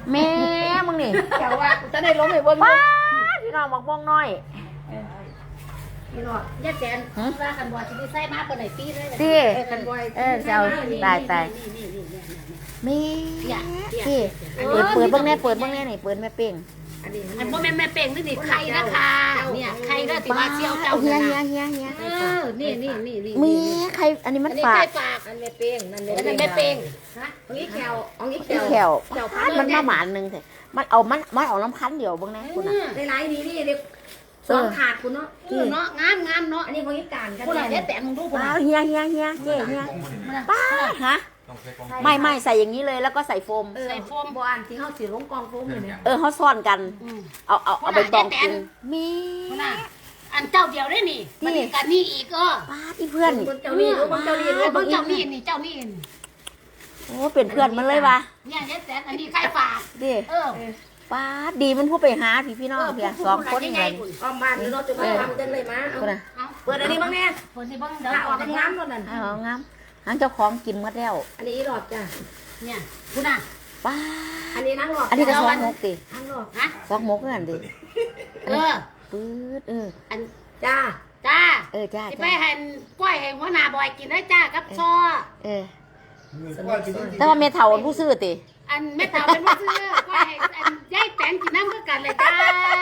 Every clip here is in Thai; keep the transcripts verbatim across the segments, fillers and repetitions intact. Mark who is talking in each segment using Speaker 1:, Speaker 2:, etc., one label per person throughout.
Speaker 1: แม่มึงนี่
Speaker 2: เดี๋ยวว่าจะได้ล้มไปเบิ้ง
Speaker 1: ป้าพี่น้องบอกม่วงน้อย
Speaker 2: พี่น้องยัดแสนว่ากันบ่จะได้ใส่มาเปิดไหนปีเลย
Speaker 1: ตี
Speaker 2: กันบ่
Speaker 1: เออเจ้าตายตายแม่ตีเปิดเปิดเบ้างแน่เปิดเบ้างแน่นี่เปิดแม่เป้ง
Speaker 2: อันบ่แม่แม่เป่งนี่ใครนะคะเนี่ยใครก็ติว่าเชี่ยวเจ้า
Speaker 1: เฮียเฮียเฮียเฮีย
Speaker 2: เออนี่นี่นี่นี่
Speaker 1: มีใครอันนี้มัน
Speaker 2: อันนี้
Speaker 1: ฝา
Speaker 2: ใคร
Speaker 1: ก
Speaker 2: ฝากอันแม่เป่งนั่นเลยแม่เป่งฮะอันนี้แขวอันนี้แข
Speaker 1: ที่
Speaker 2: ว
Speaker 1: แขวมันมาหมานหนึ่งเถอะมันเอามันมันเอาน้ำคั้นเดียวบ้างแน่คุณน่ะ
Speaker 2: ในไลน์นี้นี่เด็กสองขาดคุณเนาะเนาะงามงามเนาะอันนี้บริการกันคุณอะไรแต่มึงดูคุณ
Speaker 1: ป้าเฮียเฮียเฮียเจ๊เฮียป้าฮะไม่ไม่ใส่อย่างนี้เลยแล้วก็ใส่โฟม
Speaker 2: ใส่โฟมบานที่เขาสีลงกองโฟมอยู่เนี่ย
Speaker 1: เออเขาซ่อนกัน เอาเอาเอาไปตองกินมี
Speaker 2: อันเจ้าเดียวได้นี่บริการนี่อีกก็
Speaker 1: ป้าที่เพื่อน
Speaker 2: เจ้านี่รู้เจ้านี่รู้เจ้านี่นี่เจ้านี่
Speaker 1: โอ้เป็นเพื่อนมันเลยวะ
Speaker 2: เนี่ยเจ๊แสนอันนี้ใครฝาก
Speaker 1: ดิ
Speaker 2: เออ
Speaker 1: ป้าดีมันพูดไปหาพี่พี่น้องเพียสองคนไง
Speaker 2: อ้อมบ้านเราจะมาทำกันเลยมา
Speaker 1: คนน่ะ
Speaker 2: เปิดอันนี้บ้างแน่เปิดนี่บ้างเดี๋ยวออกงามๆนั่น
Speaker 1: เอางามหางเจ้าของกินหมดแล้ว
Speaker 2: อันนี้หลอดจ้ะเนี่ยคุณอ่ะ
Speaker 1: ป้า
Speaker 2: อันนี้นั่งหลอด
Speaker 1: อันนี้ก็สองมกดิ
Speaker 2: นั่งหลอดฮะ
Speaker 1: สองมกนั่นดิ
Speaker 2: เออ
Speaker 1: ปื๊ดเออ
Speaker 2: อันจ้าจ้า
Speaker 1: เออจ้า
Speaker 2: ที่ไป
Speaker 1: จ้า
Speaker 2: เห็นกล้วยเห็นหัวหน้าบอยกินได้จ้ากับซอ
Speaker 1: เออแต่ว่าเมทัลผู้ซื้อติ
Speaker 2: อันแม่เต่าเป็นผู้ซื้อกล้วยเห็นอันยายแตนกินน้ำก็กันเลยจ้า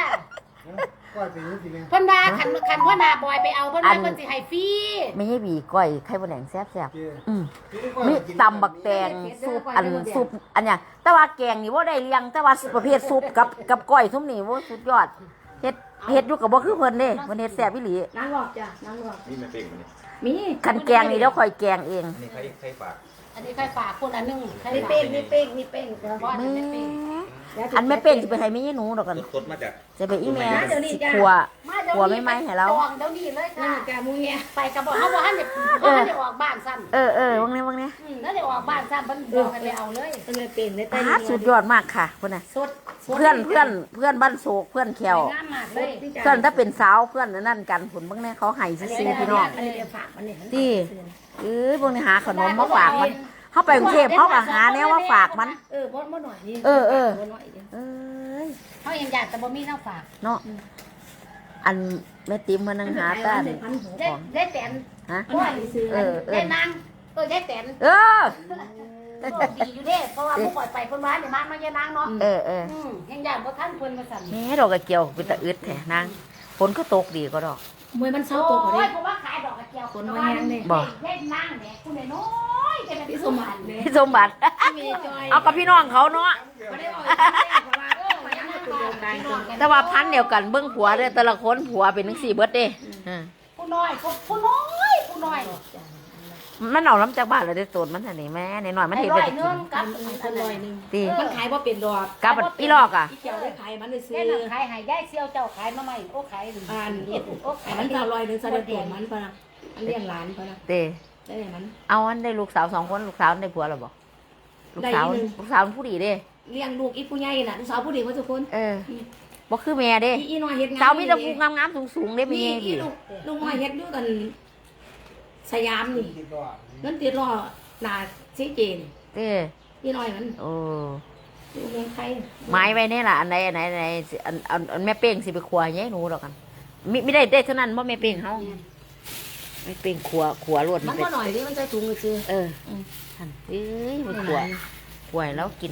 Speaker 2: เพิ่นว่าขันขันหัวหน้าบอยไปเอาเพิ่นว่าเพิ่นสิให้ฟรี
Speaker 1: ไม่ใช่บีก้อยไข่บะแดงแซ่บแซ่บอืมมีตำบักแตงซุปอันซุปอันเนี้ยแต่ว่าแกงนี่ว่าได้เลี้ยงแต่ว่าประเภทซุปกับกับก้อยทุ่มนี่ว่าสุดยอดเฮ็ดเฮ็ดอยู่กับบ่คือเพิ่นเด้เพิ่นเฮ็ดแซ่บอีหลี
Speaker 2: นั่งหลอดจ้ะนั่งหลอด
Speaker 3: นี่ไม่เป็นมันนี่
Speaker 2: มี
Speaker 1: คันแกงนี่เดี๋ยวค่อยแกงเอง
Speaker 3: อันนี้ใครใครฝาก
Speaker 2: อันนี้ใครฝากคนอันนึงมีเป้งมีเป้งมีเป้งแต่ว่า
Speaker 1: แม่
Speaker 2: ไม่เป้ง
Speaker 1: อันแม่เป็นสิไปให้แม่ยายหนูดอกกัน
Speaker 3: สดๆมาจาก
Speaker 1: จะไปอีแม่สิขัวขัวไม่ไหมให้เรา
Speaker 2: จองเดี๋ยวนี้เลยค่ะแกมูเงี้ยไปกับบอกเขาบอกให้เด็กเขาให้เด็กออกบ้านสั้น
Speaker 1: เออเออวังนี้วังนี้
Speaker 2: แล้วเด็กออกบ้านสั้นมันบอกกันเลยเอาเลยเป็นเลยเป็นเลย
Speaker 1: ป้าสุดยอดมากค่ะคนน่ะ
Speaker 2: สด
Speaker 1: เพื่อนเพื่อนเพื่อนบ้านโศกเพื่อนแขว
Speaker 2: งามมากเลย
Speaker 1: เพื่อนถ้าเป็นสาวเพื่อนนั่นกันผลบางแน่เขาให้ซื้อพี่น้อง
Speaker 2: อันนี้เดี๋ยวฝากมันเนี่ย
Speaker 1: ที่เอ้ยพวกนี้หาขนมมาฝากมันเขาไปกรุงเทพเขาก็หาแนวว่าฝากมัน
Speaker 2: เออบ่บ่หน่อยนี่
Speaker 1: เออเออ
Speaker 2: บ่หน่อยเดียว
Speaker 1: เอ้ย
Speaker 2: เขายังอยากแต่บ่มีน้าฝาก
Speaker 1: เนาะอันแม่ติ๋มมานั่งหาต้าน
Speaker 2: ได้ได้แตน
Speaker 1: ฮะ
Speaker 2: ว่า
Speaker 1: เออเอ
Speaker 2: ได้
Speaker 1: อน
Speaker 2: างเออได้แตน
Speaker 1: เออ
Speaker 2: ดีอยู่เด้เพราะว่าผู้ปล่อยไปคนร้ายเนี่ยมามาเยนางเนาะ
Speaker 1: เออเออ
Speaker 2: อืมยังอยากบ่ทันเพิ่นมาสั่น
Speaker 1: แม่ดอกกระเจียวเป็นตะอึดแท้นางฝนก็ตกดีก็ดอก
Speaker 2: มวยมันเศร้าตัวกว่านี้เพราะว่าขายดอกกระเจียวคนมาแห้งเลย
Speaker 1: บ่
Speaker 2: ได้นางแหมคุณน้อยๆจะเป็นพี่สมบัติเนี่ย
Speaker 1: พี่สมบัติ เอากับพี่น้องเขาเนาะ
Speaker 2: บ่ได้ออกเพราะว่าเออมายังมาตัวเดียวกัน
Speaker 1: แต่ว่าพันเดียวกันเบิ้งผัวเด้อแต่ละคนผัวเป็นทั้งสี่เบิดเด้อ่า
Speaker 2: ผู้น้อยผู้น้อยผู้น้อย
Speaker 1: มันเอาน้ำจากบ้านเลยได้อตูนมันอันนี้แม่ในหน่อยมัน
Speaker 2: ไอ้
Speaker 1: เห็น
Speaker 2: ร้
Speaker 1: ไป
Speaker 2: อย
Speaker 1: กิน
Speaker 2: เนื่องกับอันร้อยหนึ่ง
Speaker 1: ตี
Speaker 4: มันขายว่าเป็นดอก
Speaker 1: กับอีลอกอ่ะ
Speaker 4: ที่เกี่ยวได้ขายมันได้ซื้อ
Speaker 2: แค่นั้นขายให้ย่ายเซี่ยวเจ้าขายมาใหม่โอ้ขาย
Speaker 4: อ่าน
Speaker 2: เฮ็ดโอ้
Speaker 4: ขา
Speaker 2: ขายย
Speaker 4: มันจะลอยหนึ่งแสดงตัวมันปะนะอันเลี้ยงหลานปะนะ
Speaker 1: เต้
Speaker 4: ได้ไหมมัน
Speaker 1: เอาอันได้ลูกสาวสองคนลูกสาวได้ผัวหรอบอกลูกสาวลูกสาวมันผู้ดีเด้
Speaker 4: เลี้ยงลูกอีผู้ใหญ่น่ะลูกสาวผู้เดียวทุกคน
Speaker 1: เออบอกคือแม่เด้
Speaker 4: อีอีน้อยเฮ็ดงาน
Speaker 1: สาวมีแต่ผู้งามๆสูงๆเด้ไม่
Speaker 4: มี
Speaker 1: แย่
Speaker 4: อี
Speaker 1: ดิ
Speaker 4: ลูกลูกน้อยเฮ็ดอยู่กันสยามนี่นั่นติดรอหนาซีเจน
Speaker 1: เต้
Speaker 4: อีน้อยมัน
Speaker 1: โอ้
Speaker 4: อยู่เมืองไทย
Speaker 1: ไม้ไว้เนี่ยล่ะอันไหนอันไหนอันไหนอันอันอันแม่เป้งสิไปครัวแย่หนูดอกกันมิไม่ได้ได้เท่านั้นเพราะแม่เป้งเขาแม่เป้งครัวครัวรวด
Speaker 4: มันก็หน่อยดิมันใจถุงเลยจือ
Speaker 1: เออท่านเอ้ยมันครัวครัวแล้วกิน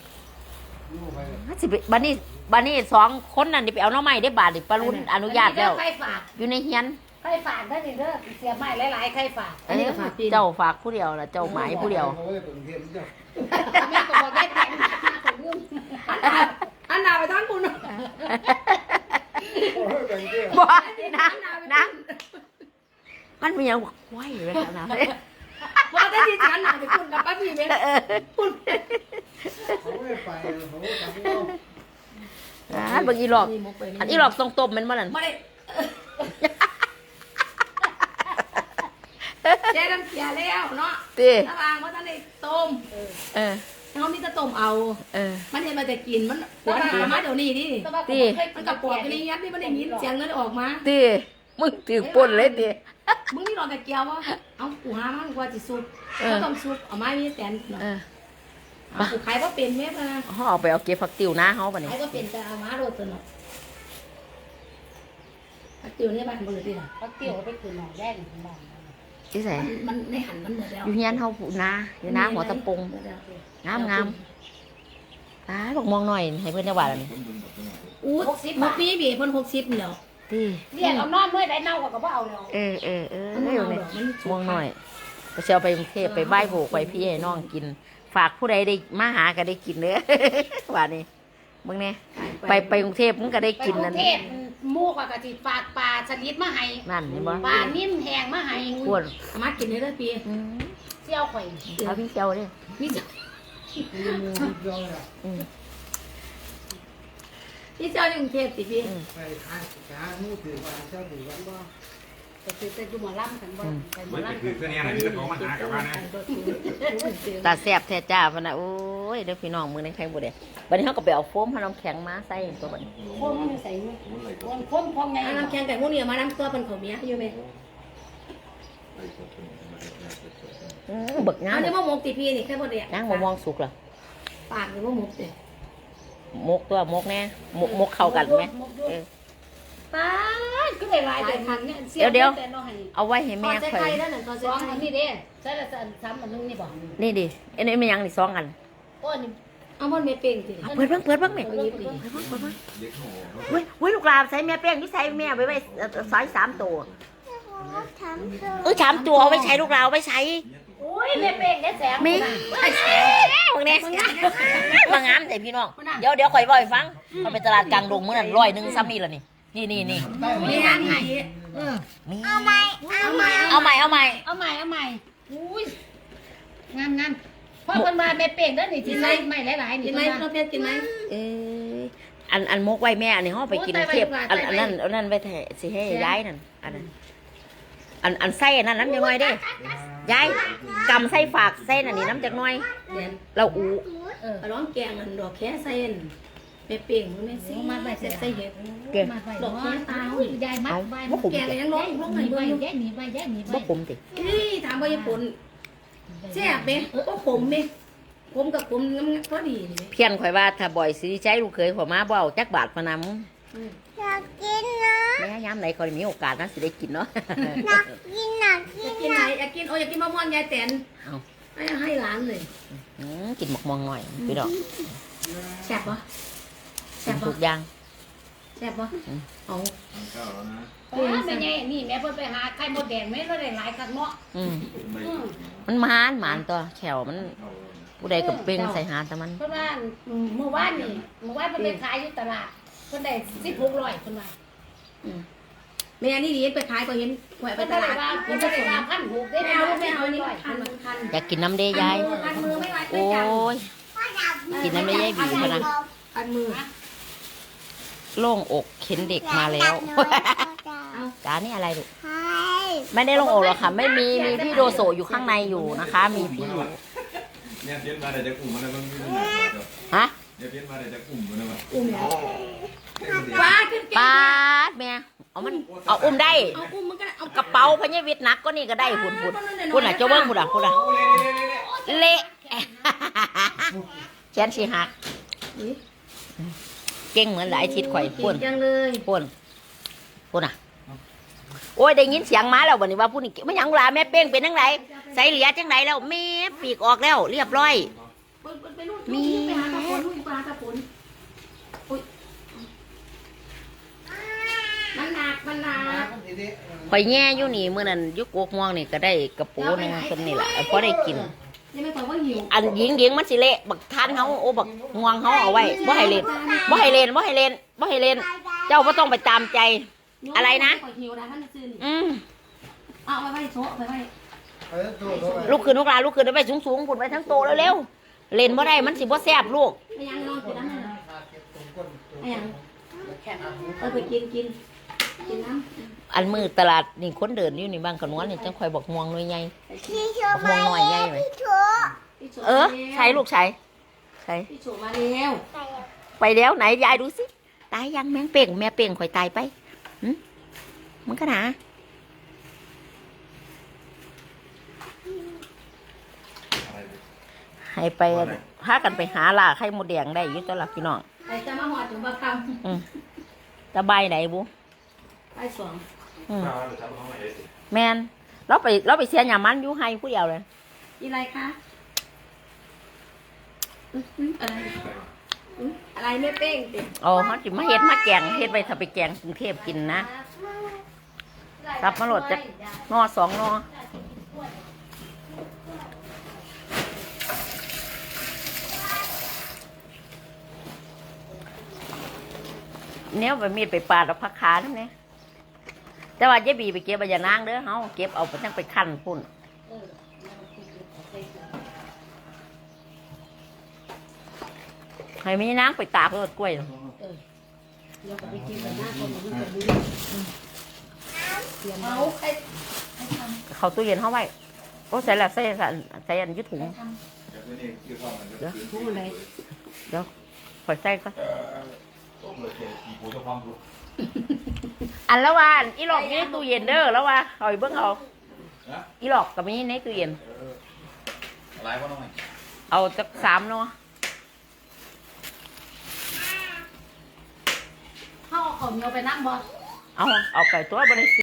Speaker 1: สิบันนี้บันนี้สองคนนั่นดิไปเอาน้องใหม่ได้บาทดิปารุนอนุญาตแล้ว
Speaker 2: ใครฝาก
Speaker 1: อยู่ในเฮียน
Speaker 2: ใครฝากได้เด้อเสียไม้หลายๆใครฝาก
Speaker 1: เออเจ้าฝากผู้เดียวละเจ้าหมายผู้เดียว
Speaker 2: แม่ก็บอกได้แตนผมลืม
Speaker 4: อันหนาไปทั้งคุณ
Speaker 1: บ่นะนะมันมีอย่างไหวเลยนะ
Speaker 4: พอได้ดีจังหนาไปคุณกับป้าพี่เมย์คุณ
Speaker 1: อ่าบางอีหลอกอันอีหลอกทรงตบมันบ่นั่น
Speaker 4: ไม่ได้เจ๊น้ำเสียแล้วเนาะ
Speaker 1: ตี
Speaker 4: ระวางว่าท่านได้ต้ม
Speaker 1: เออ
Speaker 4: เขามีแต่ต้มเอา
Speaker 1: เออ
Speaker 4: มันเห็นมาแต่กินมันหัวหนามาเดี๋ยวนี้ดิ
Speaker 1: ตี
Speaker 4: มันกับปวดกันนี่ยัดนี่มันได้ยินเสียงเงินออกมา
Speaker 1: ตีมึงถือป่นเลยตี
Speaker 4: มึงนี่รอแต่เกียววะเอากูหามันกว่าจิซุปเขาต้มซุปเอาไม้มีแตน
Speaker 1: เออ
Speaker 4: เเอาขายว่าเป็นแม่พะนะ
Speaker 1: เขาเอาไปเอาเก็บผักติวนะเขาปะนี่
Speaker 4: ขายว่าเป็นจะเอามาโรดตัวเนาะพักติวเนี่ยบ้านเบอร์ดีล่ะ
Speaker 2: เขาเกี่ยวไปคืนหนองแดงของบ้าน
Speaker 1: ที่ไหน
Speaker 4: มันในหันมันหมดแล้ว
Speaker 1: อยู่เฮียนเขาผูนาอยู่นาหัวตะปงงามงามตายบอกมองหน่อยให้เพื่อนจังหวัดอะไร
Speaker 4: อู้มุกปีบีเพิ่นหกสิบเดียว
Speaker 1: ที่
Speaker 2: เรียกเอานอนเมื่อใดเน่าก็บ่เอาแล้ว
Speaker 1: เออเออเออ
Speaker 4: มัน
Speaker 1: เอ
Speaker 4: เอา
Speaker 1: อ
Speaker 4: ดอกมัน
Speaker 1: มองหน่อยก็เชียวไปกรุงเทพไปไหว้โบกไปพี่ให้น้องกิน ฝากผู้ใดได้มาหาก็ได้กินเด้อ ว่านี่มึงเนี่ยไปไปกรุงเทพมึงก็ได้
Speaker 2: ไป
Speaker 1: กิน
Speaker 2: กรุ
Speaker 1: นั่น
Speaker 2: งเทพหมู่ก็สิฝากปลาสลิดมาให้
Speaker 1: นั่นเห็นบ่
Speaker 2: ปลานิ่มแห้งมาให้
Speaker 1: ปวด
Speaker 4: มากินได้เลยปี
Speaker 1: อืม
Speaker 2: เสี่ยวข่อย
Speaker 1: เอาพี่เชียวดิ
Speaker 4: นี่จะ
Speaker 1: อืม
Speaker 4: นี่เจ้าในกรุงเทพสิพี่
Speaker 3: ไปหาหาหมูถือว่าเจ้าถือว่า
Speaker 2: บ่ไปซื้อแต่อยู่หมอลำกันบ่ไปหมอ
Speaker 5: ไม่
Speaker 2: ลำ
Speaker 5: คือเสื้อเนี่ยไหนที่เขามาหากับว่านะ
Speaker 1: ตาแซ่บแท้จ้าพะนะโอ้ยเด้อพี่น้องมือในใครบ่ได้บัดนี้เขาก็ไปเอาโฟมให้น้ำแข็งมาใส่ตัวบัดนี้
Speaker 2: โคมมันใส่มือคนคมพองไง
Speaker 4: น้ำแข็งไก่พวกนี้มาน้ำตัวเป็นของเมียอยู่ไหม
Speaker 1: อืมเบิกงา
Speaker 4: เอา
Speaker 1: ม
Speaker 4: เนี่ยมามกตีพี่นี่แค่บ่ได้
Speaker 1: ย่างบ่มองสุกเหรอ
Speaker 4: ปากหรือว่ามกเด้
Speaker 1: มกตัวมกแน่มกมกเข้ากันไหมเออ
Speaker 2: ป้าก็ได้หลายแต่คันเนี่ย
Speaker 1: เดี๋ยวเดี๋ยว
Speaker 2: แต่น้อย
Speaker 1: เอาไว้ให้
Speaker 4: ตอ
Speaker 1: แม่
Speaker 4: นใส่
Speaker 1: ข่อ
Speaker 4: ไข่
Speaker 1: ย
Speaker 4: แล้วนั่นตอน
Speaker 2: ส
Speaker 4: ใส่
Speaker 2: อง
Speaker 4: ไข่
Speaker 2: อันนี้เด้ใส่ละสามอันนึงนี่บ่
Speaker 1: นี่ดิอันนี้ไม่ยังนี่สองอัน
Speaker 2: โอ้นี่
Speaker 4: เอามันไม่เป็นสิ
Speaker 1: เอาเปิดเบ้างเปิดเบ้างแม่เปิดเบ้างเปิดเบ้างเว้ยเว้ยลูกหลานใส่แม่แป้งที่ใส่แม่ไว้ไว้ใส่สามตัวเออสามตัวเอาไว้ใช้ลูกหลานเอาไว้ใช้
Speaker 2: โอ้ยแม่เป้งเด้แสง
Speaker 1: มีมึงเนี่ยมางามแต่พี่น้องเดี๋ยวเดี๋ยวข่อยบ่อยฟังเขาไปตลาดกลางดงเมื่อนั้นร้อยหนึ่งซ้ำนี่ละนี่นี่นี่นี่
Speaker 4: มีงานไง
Speaker 1: มี
Speaker 4: เอาไหม
Speaker 1: เอาใหม่เอาใหม่
Speaker 2: เอาใหม่เอาใหม่อุ้ยงามงามเพราะคนมาแม่เป้งเด้อนี่สิใส่ไม่หลายๆนี่
Speaker 4: กินไหมเราเพชรกินไหม
Speaker 1: เอออันอันมกไว้แม่อันนี้ห้องไปกินเทียบอันอันนั้นอันนั้นไปแทะสิให้ย้ายนั่นอันนั้นอันอันไส้อันนั้นน้ำจังน้อยเด้ย้ายกำไส้ฝากไส้อันนี้น้ำจังน้อย
Speaker 4: เดี๋ยว
Speaker 1: เราอู
Speaker 2: เออ
Speaker 4: ร้องแกงอันดอกแค่เส้นไม่เปลี่ยนมันไม่สิมาใบเส้นใส่เห็ด
Speaker 1: เก่ง
Speaker 2: มาไว้ดอกไม้ตายยายมัดใบ
Speaker 1: บ่ผม
Speaker 4: แกงอะไรยังร้องร้อง
Speaker 2: ห
Speaker 4: ไง
Speaker 2: นีใบ
Speaker 4: บ้าง
Speaker 2: แย่หนีใบแย่หนีใบ
Speaker 1: บ่ผมติ
Speaker 4: นี่ถามว่าญี่ปุ่นแซ่บไหมก็ขมไหมขมกับขมน้ำก็ดีเลย
Speaker 1: เพี้ยนข่อยว่าถ้าบ่อยสิใช้ลูกเคยข่อยมาบ่เอาจักบาทพะนำ
Speaker 6: อยากกินนะ
Speaker 1: แม่ยามไหนข่อยมีโอกาสนะสิได้กินเนาะ
Speaker 6: อยากกินอยาก
Speaker 4: อ
Speaker 6: กิ
Speaker 4: ยาน กกินไหนอยากกินโอ้อยากกินมะม่วงยายแตน
Speaker 1: เอา
Speaker 4: ให้ให้ร้านเลย
Speaker 1: อืมกินหมกมองหน่อยพี่ดอก
Speaker 4: แซ่บปะ
Speaker 1: กิ
Speaker 4: แซ่
Speaker 1: น
Speaker 4: บ
Speaker 1: ทุ
Speaker 4: ปะ
Speaker 1: กอย่าง
Speaker 4: แซ่บปะเอา
Speaker 5: เก้าแล้วนะ
Speaker 2: โอ้ยแม่ใหญ่นี่แม่เพิ่นไปหาไข่มดแดงแม่เราได้หลายคักเนาะ
Speaker 1: อืม
Speaker 2: อืม
Speaker 1: มันมานหมานตัวแขวมันผู้ใดกับเป้งใส่หาแต่มัน
Speaker 2: เพิ่นว่าเมื่อวานนี่เมื่อวานเพิ่นไปขายอยู่ตลาดเพิ่นได้สิบหกร้อยเพิ่นว่า
Speaker 4: แม่นี่ดีไปขายก็เห็นหวยไป
Speaker 2: เพิ่น
Speaker 4: ต
Speaker 2: ได้
Speaker 4: ลาด
Speaker 2: ว่า
Speaker 4: เห็
Speaker 2: เพิ่
Speaker 4: น
Speaker 2: น
Speaker 4: ผ
Speaker 2: ได้
Speaker 4: สม
Speaker 2: ว่าพันหกได้
Speaker 4: ไม่
Speaker 2: แม่
Speaker 4: เอา
Speaker 2: เอา
Speaker 4: ไม่
Speaker 2: ไม่
Speaker 4: เอา
Speaker 2: เอา
Speaker 4: นี่
Speaker 2: นี่
Speaker 4: คันมันคัน
Speaker 1: อยากกินน้ำเด้ยาย
Speaker 4: คันมือไม่ไหว
Speaker 1: โอ้ย กินน้ำได้ยายบีพะนะ
Speaker 4: คันมือ
Speaker 1: โล่งอกเข็นเด็กมาแล้ว จ้านี่อะไรลูก
Speaker 6: ใช่
Speaker 1: ไม่ได้โล่งอกหรอกค่ะ ไม่มีมีพี่โดโซอยู่ข้างในอยู่นะคะ มีพี่อยู่
Speaker 5: เนี่ยเพี้ยนมาแต่จะกลุ่มมันมันไม่ได้หนัก
Speaker 1: ฮะ
Speaker 5: เนี่ยเพี้ยนมาแต่จะกลุ่มมันนะ
Speaker 4: อุ้มป้าขึ้นเก่ง
Speaker 1: ปาดแม่เอามันเอาอุ้มได้
Speaker 4: เอาอุ้มมันก็เอา
Speaker 1: กระเป๋าพญาวิทย์หนักก็นี่ก็ได้พุ่นพุ่นพุ่นอ่ะเจ้าเบิ้งพุ่นอ่ะพุ่นอ่ะเละ แขนสีหักเก่งเหมือนหลายทิศข่อยพุ่น
Speaker 4: จังเลย
Speaker 1: พุ่นพุ่นอ่ะโอ้ยได้ยินเสียงมาแล้ววันนี้ว่าพุ่นนี่ไม่ยังลาแม่เป้งเป็นจังไงใส่เหลียจังไงแล้วแม่ปีกออกแล้วเรียบร้อย
Speaker 4: ไปนู่นมีไปหาตะผลนู่นไปหาตะผลอุ้ยมันหนักมันหนัก
Speaker 1: ข่อยแง่อยู่นี่เมื่อนั้นอยุกโกกม่วงนี่ก็ได้กระปูหนึงคนนี่แหละพอได้กิน
Speaker 4: ยังไม่บอกว่าหิว
Speaker 1: อันหญิงหญิงมันสิเละบักทานเขาโอ้บักง่วงเขาเอาไว้บ่ให้เล่นบ่ให้เล่นบ่ให้เล่นบ่ให้เล่น เจ้าก็ต้องไปตามใจ อะไรนะ
Speaker 4: หิวนะท่านซื้อนี่
Speaker 1: อืม
Speaker 4: เอาไปไว้โซ่ไปไว้
Speaker 1: ลูกขึ้นลูกหลานลูกขึ้นไปสูงสูงๆพุ่นไปทั้งโตเร็วๆเล่นบ่ได้มันสิบ่แซ่บลูก
Speaker 4: ไปยังนอนกินน้ำเลยไอ้ยังเออไปกินกินกินน้ำ
Speaker 1: อันมือตลาดนี่คนเดินอยู่นี่บางขนวนนี่จังคอยบอกม่วงหน่วยใหญ่
Speaker 6: พี่ชูมา
Speaker 1: ม่วงหน่อยใหญ่ไหม
Speaker 6: พี่ชู
Speaker 1: เออใช้ลูกใช้ใช้
Speaker 4: พี่โฉมาแล้ว
Speaker 1: ไปแล้วไหนยายดูสิตายยังแมงเป่งแม่เป่งข่อยตายไปหึมันก็หนาให้ไปพากันไปหาล่าไข่มดแดงได้อยู่ตัวละพี่น้อง
Speaker 4: ไอ้จะมาหอดถึงบางค
Speaker 1: อืมจะใบไหนบุ
Speaker 4: ำไอ้สอง
Speaker 1: อืม
Speaker 5: ข้าวเดี๋ยวทำห้องไหนได้สิ
Speaker 1: แมนเราไปเราไปเสียหยามันอยู่ให้ผู้เดียวเลย
Speaker 4: อีไรคะอื้อหืออะไรอื้ออะไรไม่เป้งติ
Speaker 1: อ๋อเขาจิมาเฮ็ดมาแกงเฮ็ดไปถ้าไปแกงกรุงเทพกินนะรับมาโหลดจากนอสองนอเนี้ยไปมีดไปปาดเอาผักขาทั้งนี้แต่ว่าเจ๊บีไปเก็บใบยานางเด้อเฮาเก็บเอาไปทั้งไปคั่นพุ่นให้มีนางไปตากรถกล้วย
Speaker 4: เราก็ไปกินกันหน้าคนมันจะดูเอาใคร
Speaker 1: เขาตู้เย็นเฮาไว้โอ้ใส่ละใส่ใส่ใส่อันอยุถุง
Speaker 5: เดี๋ยวนี้คือข้าวมันจะ
Speaker 4: พูดอะไร
Speaker 1: เดี๋ยวข่อยใส่ก็
Speaker 5: ต้มเลยเขียนกี่ปูจะความรู้
Speaker 1: อันละว่าอันอีหลอกอยู่ในตู้เย็นเด้อแล้วว่าเอาไปเบิ่งเอา
Speaker 5: นะ
Speaker 1: อีหลอกก็มีในตู้เย็น
Speaker 5: อะไรก็ต้อง
Speaker 1: เอาจักสามเนาะ
Speaker 2: เขาเอาข้าวเหนียวไปนั่งบ่
Speaker 1: เอาเอาไปตัวบ่ได้